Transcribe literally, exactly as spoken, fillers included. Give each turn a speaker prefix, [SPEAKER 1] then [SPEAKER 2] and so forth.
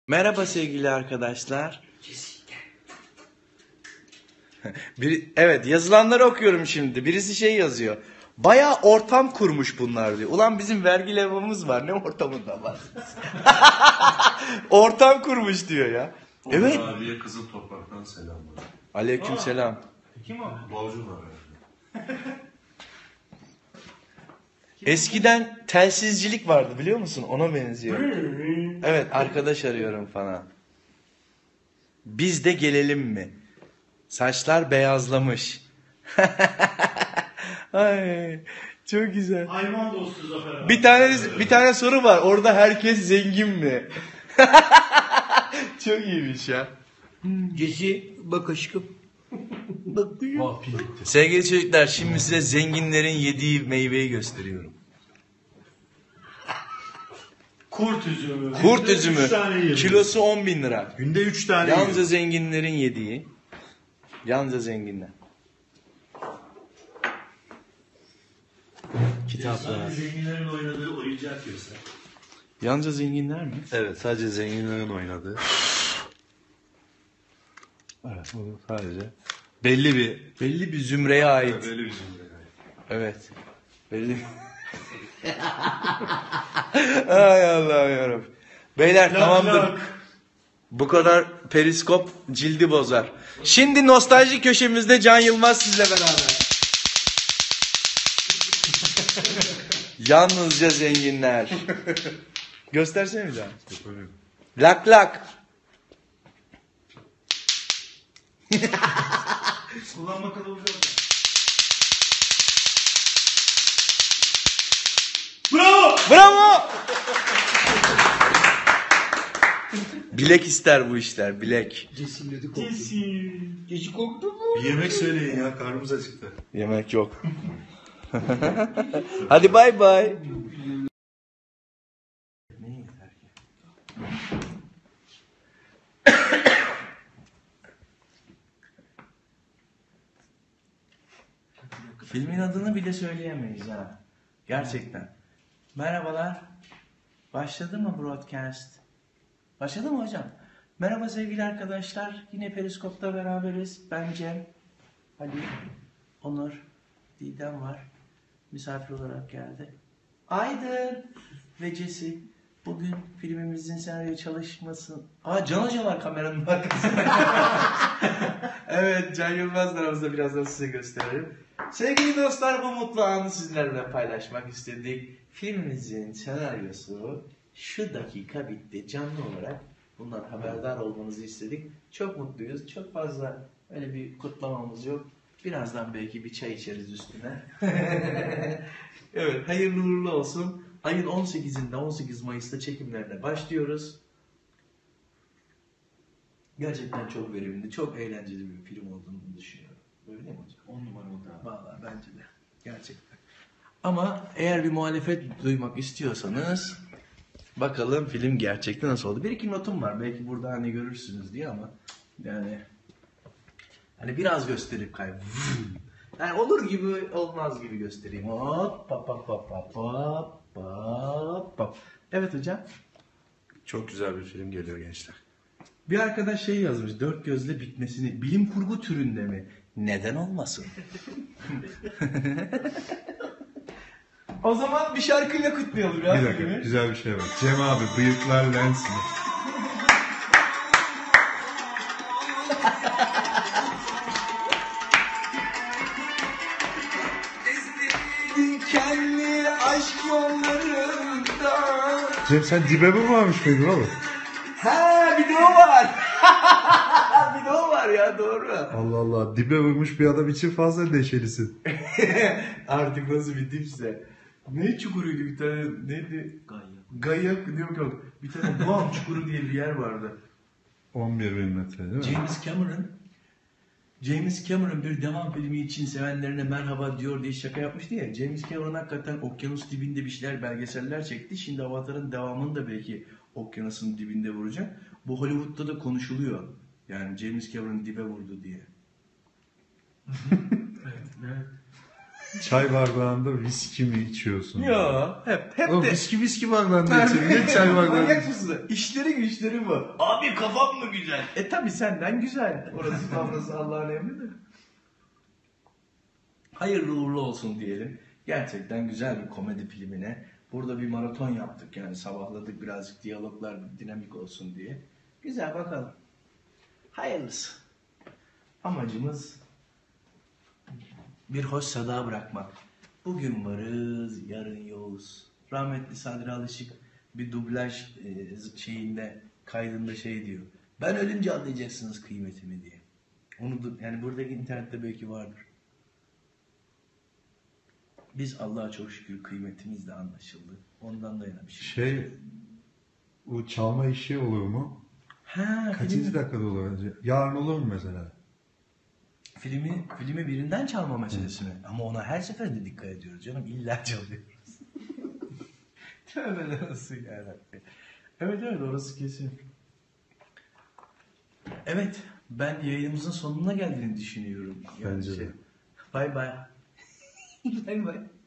[SPEAKER 1] Merhaba sevgili arkadaşlar. Bir, evet yazılanları okuyorum şimdi. Birisi şey yazıyor. Bayağı ortam kurmuş bunlar diyor. Ulan bizim vergi levhamız var. Ne ortamında var? Ortam kurmuş diyor ya.
[SPEAKER 2] Onur
[SPEAKER 1] Evet.
[SPEAKER 2] abiye Kızıl Toprak'tan selamlar.
[SPEAKER 1] Aleykümselam.
[SPEAKER 3] Kim o?
[SPEAKER 2] Balcı var yani.
[SPEAKER 1] Eskiden telsizcilik vardı biliyor musun? Ona benziyor. Evet arkadaş arıyorum falan. Biz de gelelim mi? Saçlar beyazlamış. Ay çok güzel.
[SPEAKER 3] Hayvan dostu Zafer abi.
[SPEAKER 1] Bir tane bir tane soru var. Orada herkes zengin mi? Çok iyiymiş ya.
[SPEAKER 4] Cesi bak aşkım. Bak gülüm.
[SPEAKER 3] Oh, pil bitti.
[SPEAKER 1] Sevgili çocuklar şimdi size zenginlerin yediği meyveyi gösteriyorum.
[SPEAKER 3] Kurt üzümü.
[SPEAKER 1] Kurt üzümü.
[SPEAKER 3] Üç tane yiyelim.
[SPEAKER 1] Kilosu on bin lira.
[SPEAKER 3] Günde üç tane
[SPEAKER 1] Yalnızca
[SPEAKER 3] yiyelim.
[SPEAKER 1] zenginlerin yediği. Yalnızca zenginler. Kitaplar.
[SPEAKER 3] Sadece zenginlerin oynadığı oyuncak göster.
[SPEAKER 1] Yalnızca zenginler mi?
[SPEAKER 2] Evet, sadece zenginlerin oynadığı. Evet, bu sadece belli bir
[SPEAKER 1] Belli bir zümreye ait.
[SPEAKER 2] belli bir zümre.
[SPEAKER 1] Evet. Belli. Ay Allah'ım yarabbim. Beyler
[SPEAKER 3] Lak
[SPEAKER 1] tamamdır.
[SPEAKER 3] lak.
[SPEAKER 1] Bu kadar periskop cildi bozar. Şimdi nostalji köşemizde Can Yılmaz sizle beraber. Yalnızca zenginler. Göstersene bir daha. Lak lak.
[SPEAKER 3] Kullanma kılavuzu yok. Bravo!
[SPEAKER 1] Bravo. Bilek ister bu işler, bilek.
[SPEAKER 4] Cesi'nin ödü koptu.
[SPEAKER 3] Cesi.
[SPEAKER 4] Cesi koptu mu?
[SPEAKER 2] Bir yemek söyleyin ya, karnımız acıktı.
[SPEAKER 1] Yemek yok. Hadi bay bay. Filmin adını bile söyleyemeyiz ha. Gerçekten. Merhabalar. Başladı mı broadcast? Başladı mı hocam? Merhaba sevgili arkadaşlar. Yine Periskop'ta beraberiz. Ben Cem. Ali, Onur, Didem var. Misafir olarak geldi. Aydın ve Cesi. Bugün filmimizin senaryo çalışması... Aa Can Hoca var kameranın arkasında. Evet Can Yılmaz aramızda birazdan size gösteririm. Sevgili dostlar bu mutlu anı sizlerle paylaşmak istedik. Filmimizin senaryosu şu dakika bitti. Canlı olarak bundan haberdar olmanızı istedik. Çok mutluyuz. Çok fazla öyle bir kutlamamız yok. Birazdan belki bir çay içeriz üstüne. Evet hayırlı uğurlu olsun. Ayın on sekizinde on sekiz Mayıs'ta çekimlerine başlıyoruz. Gerçekten çok verimli, çok eğlenceli bir film olduğunu düşünüyorum. Öyle mi hocam?
[SPEAKER 3] On numara oldu abi.
[SPEAKER 1] Vallahi bence de. Gerçekten. Ama eğer bir muhalefet duymak istiyorsanız bakalım film gerçekten nasıl oldu. Bir iki notum var. Belki burada hani görürsünüz diye ama yani hani biraz gösterip kay. Yani olur gibi olmaz gibi göstereyim. Hop pap pap pap pap pap pap pap. Evet hocam.
[SPEAKER 2] Çok güzel bir film geliyor gençler.
[SPEAKER 1] Bir arkadaş şey yazmış. Dört gözle bitmesini bilim kurgu türünde mi? Neden olmasın? O zaman bir şarkıyla kutlayalım ya.
[SPEAKER 5] Bir dakika, güzel bir şey var. Cem abi, bıyıklar lens mi?
[SPEAKER 1] Dikenli aşk yollarında.
[SPEAKER 5] Cem sen dibe mi varmış mıydın oğlum?
[SPEAKER 1] Ha bir de o var. Bir de o var ya doğru.
[SPEAKER 5] Allah Allah, dibe vurmuş bir adam için fazla neşelisin.
[SPEAKER 1] Artık nasıl bir dipse. Ne çukuruydu bir tane neydi? Gayak. Gayak yok yok. Bir tane Guam çukuru diye bir yer vardı.
[SPEAKER 5] on bir bin metre değil mi?
[SPEAKER 1] James Cameron James Cameron bir devam filmi için sevenlerine merhaba diyor diye şaka yapmıştı ya. James Cameron hakikaten okyanus dibinde bir şeyler belgeseller çekti. Şimdi Avatar'ın devamını da belki okyanusun dibinde vuracak. Bu Hollywood'da da konuşuluyor. Yani James Cameron dibe vurdu diye. Evet, evet.
[SPEAKER 5] Çay bardağında viski mi içiyorsun?
[SPEAKER 1] Ya hep hep
[SPEAKER 5] Oğlum
[SPEAKER 1] de.
[SPEAKER 5] viski viski bardağında içiyor. Ne çay bardağında?
[SPEAKER 1] Manyak mısın? İşleri güçleri bu. Abi kafam mı güzel? E tabi senden güzel. Orası kafası Allah'ın emridir. Hayırlı uğurlu olsun diyelim. Gerçekten güzel bir komedi filmine. Burada bir maraton yaptık yani sabahladık birazcık diyaloglar dinamik olsun diye. Güzel bakalım. Hayırlısı. Amacımız bir hoş sada bırakmak. Bugün varız, yarın yoğuz. Rahmetli Sadri Alışık bir dublaj e, şeyinde, kaydında şey diyor. Ben ölünce anlayacaksınız kıymetimi diye. Onu du- yani buradaki internette belki vardır. Biz Allah'a çok şükür kıymetimiz de anlaşıldı. Ondan da yana bir şey.
[SPEAKER 5] Şey, bu çalma işi olur mu?
[SPEAKER 1] Ha,
[SPEAKER 5] Kaçıncı
[SPEAKER 1] filmi,
[SPEAKER 5] dakikada olur? Yarın olur mu mesela?
[SPEAKER 1] filmi, filmi birinden çalma meselesi mi? Ama ona her seferinde dikkat ediyoruz canım. İlla çalıyoruz. Tövbe nasıl yarabbim. Evet evet orası kesin. Evet ben yayınımızın sonuna geldiğini düşünüyorum.
[SPEAKER 5] Bence de.
[SPEAKER 1] Bay bay. Bay bay.